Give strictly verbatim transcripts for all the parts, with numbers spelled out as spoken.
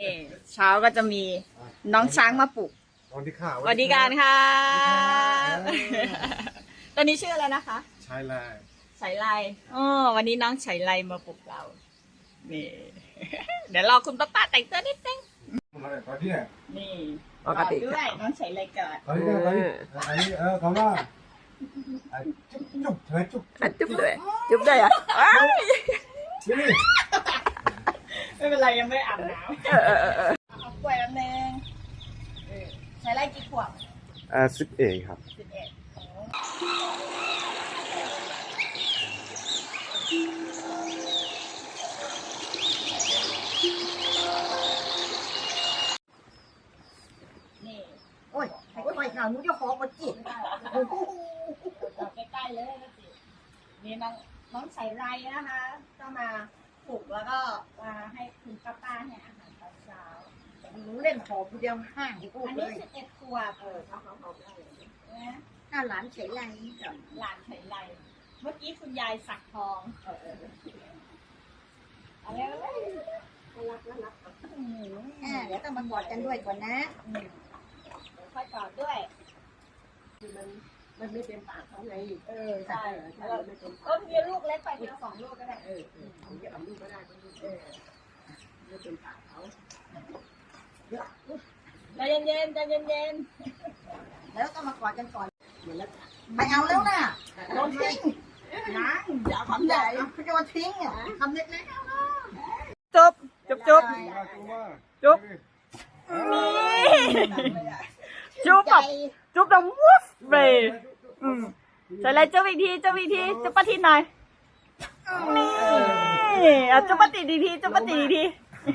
เช้าก็จะมีน้องช้างมาปลุกสวัสดีค่ะสวัสดีการค่ะตอนนี้ชื่ออะไรนะคะชายลายฉายไลอ๋อวันนี้น้องฉายไลมาปลุกเรานี่เดี๋ยวรอคุณป้าป้าแต่งตัวนิดนึงนี่ปกติด้วยน้องฉายไลก่อนตอนนี้ตอนนี้อันนี้เออคำว่าจุ๊บจุ๊บเธอจุ๊บจุ๊บด้วยจุ๊บด้วยอ่ะไม่เป็นไรยังไม่อาบน้ำเอากล้วยแป๊บนึงฉายไลกี่ขวบอ่าสิบเอ็ดครับสิบเอ็ดนี่โอ้ยใครก็ไปข่าวนู้นจะขอมาจีบจับใกล้ๆเลยนะสินี่น้องน้องใส่ไรนะคะก็มาปลุกแล้วก็มาให้คุณป้าป้าเนี่ยอาหารตอนเช้าหนูเล่นขอผู้เดียวห้างที่พูดอันเลนี้ยสิบเอ็ดขวบเออเขาเขาเขาได้นะถ้าหลานเฉยไรก่อนหลานใส่ไรเมื่อกี้คุณยายสักทองเออเอออะไรอะไรรักรักอ่าเดี๋ยวต้องมากอดกันด้วยก่อนนะค่อยกอดด้วยมันมันไม่เป็นปากเขาไงเออใช่ก็มีลูกเล็กไปเดียวสองลูกก็ได้เออเขาจะเอาลูกก็ได้ก็ลูกเออไม่เป็นปากเขาใจเย็นๆใจเย็นๆแล้วต้องมากอดกันก่อนไม่เอาแล้วนะโดนทิ้งนะอย่าทำใหญ่เขาจะมาทิ้งอ่ะทำเล็กๆจุ๊บจุ๊บจุ๊บจุ๊บจุ๊บแบบจุ๊บแบบวุ้บไปอืมใส่อะไรจุ๊บอีกทีจุ๊บอีกทีจุ๊บปะทีหน่อยนี่อ่ะจุ๊บปะติอีกทีจุ๊บปะติอีกที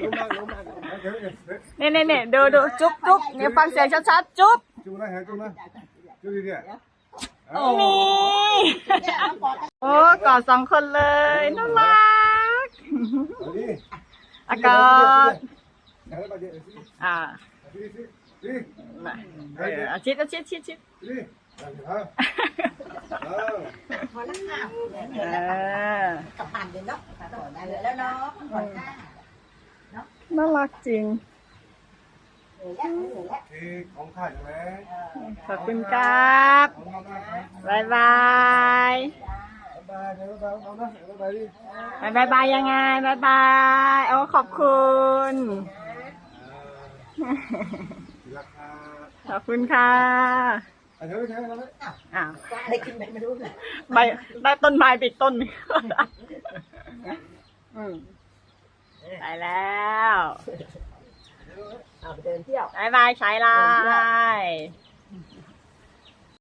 เนี่ยเนี่ยเนี่ยดูดูจุ๊บจุ๊บเนี่ยฟังเสียงชัดๆจุ๊บจุ๊บนะฮะจุ๊บนะจุ๊บดีๆนี่โอ้กอดสองคนเลยน่ารักอากาศอ่าชิดชิดชิดชิดพอแล้วค่ะกลับบ้านเลยเนาะได้เลยแล้วเนาะผ่อนค่าน่ารักจริงของข้าใช่ไหมขอบคุณครับบายบายบายบายบายเอานะบายดิบายบายยังไงบายบายโอ้ขอบคุณขอบคุณค่ะอ้าวได้กินไหมไม่รู้เลยใบได้ต้นไม้ไปต้นนึงไปแล้วเอาไปเดินเที่ยวบายบายใช้ไลน์